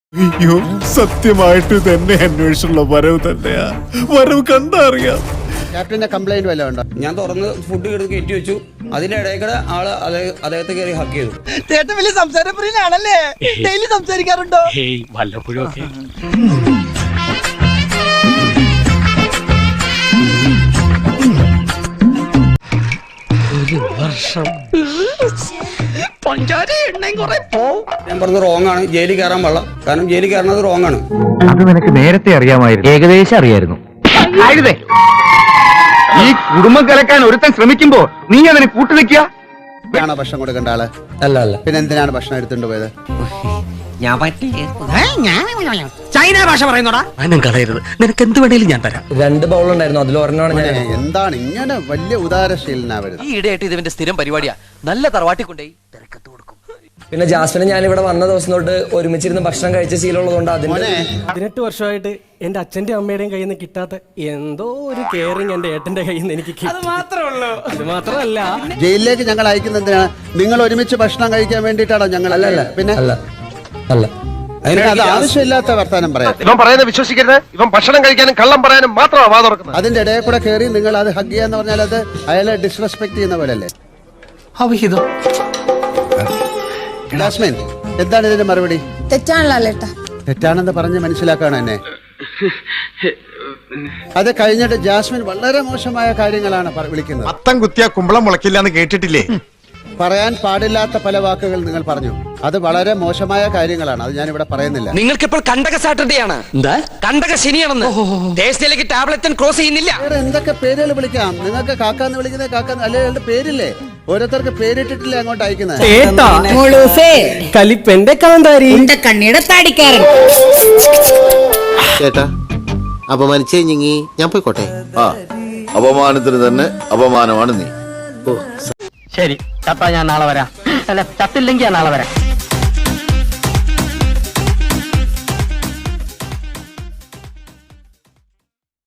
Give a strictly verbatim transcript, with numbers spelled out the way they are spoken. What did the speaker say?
അയ്യോ, സത്യമായിട്ട് തന്നെ അന്വേഷിച്ചുള്ള വരവ് തന്നെയാ. വരവ് കണ്ടറിയാം. ക്യാപ്റ്റന്റെ കംപ്ലൈന്റ് വല്ലതും ഉണ്ടോ? ഞാൻ തുറന്ന് ഫുഡ് എടുത്ത് കയറ്റി വെച്ചു. അതിന്റെ ഇടയിൽ കൂടെ ആള് അദ്ദേഹത്തെ കയറി ഹക്ക് ചെയ്തു. ചേട്ടൻ വലിയ സംസാരപ്രിയനാണല്ലേ? ഡെയിലി സംസാരിക്കാറുണ്ടോ? വല്ലപ്പോഴും ഒക്കെ. ഒരു വർഷം ഞാൻ പറഞ്ഞത് റോങ് ആണ്, ജയിലിൽ കയറാൻ പാടില്ല. കാരണം ജയിലിൽ കയറുന്നത് റോങ് ആണ്. അത് നിനക്ക് നേരത്തെ അറിയാമായിരുന്നു, ഏകദേശം അറിയായിരുന്നു. ഈ കുടുംബം കലക്കാൻ ഒരുത്തൻ ശ്രമിക്കുമ്പോ നീ അതിന് കൂട്ടുനിൽക്കുക. ആണോ ഭക്ഷണം കൊടുക്കേണ്ട ആള്? അല്ല അല്ല പിന്നെ എന്തിനാണ് ഭക്ഷണം എടുത്തുകൊണ്ട് പോയത്? ചൈന ഭാഷ പറയുന്നോടാ. അനം കളയരുത്, നിനക്ക് എന്ത് വേണേലും ഞാൻ തരാം. രണ്ട് ബൗൾ ഉണ്ടായിരുന്നു, അതിൽ ഒരെണ്ണമാണ് ഞാൻ. മോനെ, എന്താണ് ഇങ്ങനെ വലിയ ഉദാരശീലനാ വരുന്നത്? ഈ ഇടയായിട്ട് ഇതിന്റെ സ്ഥിരം പരിപാടിയാ. നല്ല തറവാട്ടി കൊണ്ടേ തിരക്കത്ത് കൊടുക്കും. പിന്നെ ജാസ്മിനെ ഞാൻ ഇവിടെ വന്ന ദിവസം തൊട്ട് ഒരുമിച്ചിരുന്ന് ഭക്ഷണം കഴിച്ച ശീലമുള്ളതുകൊണ്ട് അതിന്റെ മോനെ, പതിനെട്ട് വർഷമായിട്ട് എന്റെ അച്ഛന്റെ അമ്മയുടെയും കയ്യിൽ നിന്ന് കിട്ടാത്ത എന്തോ ഒരു കെയറിങ് എന്റെ ഏട്ടന്റെ കയ്യിൽ നിന്ന് എനിക്ക് കിട്ടി. അത് മാത്രമല്ല, ജയിലിലേക്ക് ഞങ്ങൾ അയക്കുന്നത് എന്തിനാണ്? നിങ്ങൾ ഒരുമിച്ച് ഭക്ഷണം കഴിക്കാൻ വേണ്ടിയിട്ടാണോ ഞങ്ങൾ? അല്ലല്ല പിന്നെ അല്ല അല്ല അതിന് അത് ആവശ്യമില്ലാത്ത വർത്താനം പറയാം. ഇവൻ പറയുന്നത് വിശ്വസിക്കരുത്. ഇവൻ ഭക്ഷണം കഴിക്കാനും കള്ളം പറയാനും മാത്രമാണ് വാ തുറക്കുന്നത്. അതിന്റെ ഇടയിൽ കൂടെ കയറി നിങ്ങൾ അത് ഹഗ് ചെയ്യാന്ന് പറഞ്ഞാൽ അത് അയാളെ ഡിസ്റെസ്പെക്ട് ചെയ്യുന്ന പോലെ അല്ലേ? അവിഹിതം. ജാസ്മിൻ, എന്താണ് ഇതിന്റെ മറുപടി? തെറ്റാണല്ലോ. തെറ്റാണെന്ന് പറഞ്ഞ് മനസ്സിലാക്കാണ് എന്നെ. അത് കഴിഞ്ഞിട്ട് ജാസ്മിൻ വളരെ മോശമായ കാര്യങ്ങളാണ് പറ- വിളിക്കുന്നത്. അത്തം കുത്തിയ കുമ്പളം മുളക്കില്ല എന്ന് കേട്ടിട്ടില്ലേ? പറയാൻ പാടില്ലാത്ത പല വാക്കുകൾ നിങ്ങൾ പറഞ്ഞു. അത് വളരെ മോശമായ കാര്യങ്ങളാണ്. അത് ഞാനിവിടെ പറയുന്നില്ല. നിങ്ങൾക്കിപ്പോൾ കണ്ടക സാറ്റർഡേ ആണ്. എന്താ കണ്ടക ശനിയാണെന്ന് ദേശത്തിലേക്ക് ടാബ്ലറ്റ് ക്രോസ് ചെയ്യുന്നില്ല. വേറെ എന്തൊക്കെ പേരുകൾ വിളിക്കാം? നിങ്ങൾക്ക് കാക്കാന്ന് വിളിക്കുന്നത് കാക്കാന്ന് അല്ലെ? അയാളുടെ പേരില്ലേ? ഓരോരുത്തർക്ക് പേരിട്ടിട്ടില്ലേ അങ്ങോട്ട് അയക്കുന്നത്? ഏട്ടാ കലിപ്പന്റെ കാന്താരി കണ്ണിയുടെ താടിക്കാരൻ. ചേട്ടാ, അപമാനിച്ചേ ഞങ്ങി ഞാൻ പോയിക്കോട്ടെ. ആ അപമാനത്തിന് തന്നെ അപമാനമാണ് നീ. ശരി, ചത്താ ഞാൻ നാളെ വരാം. അല്ല, ചത്തില്ലെങ്കിൽ ഞാൻ നാളെ വരാം.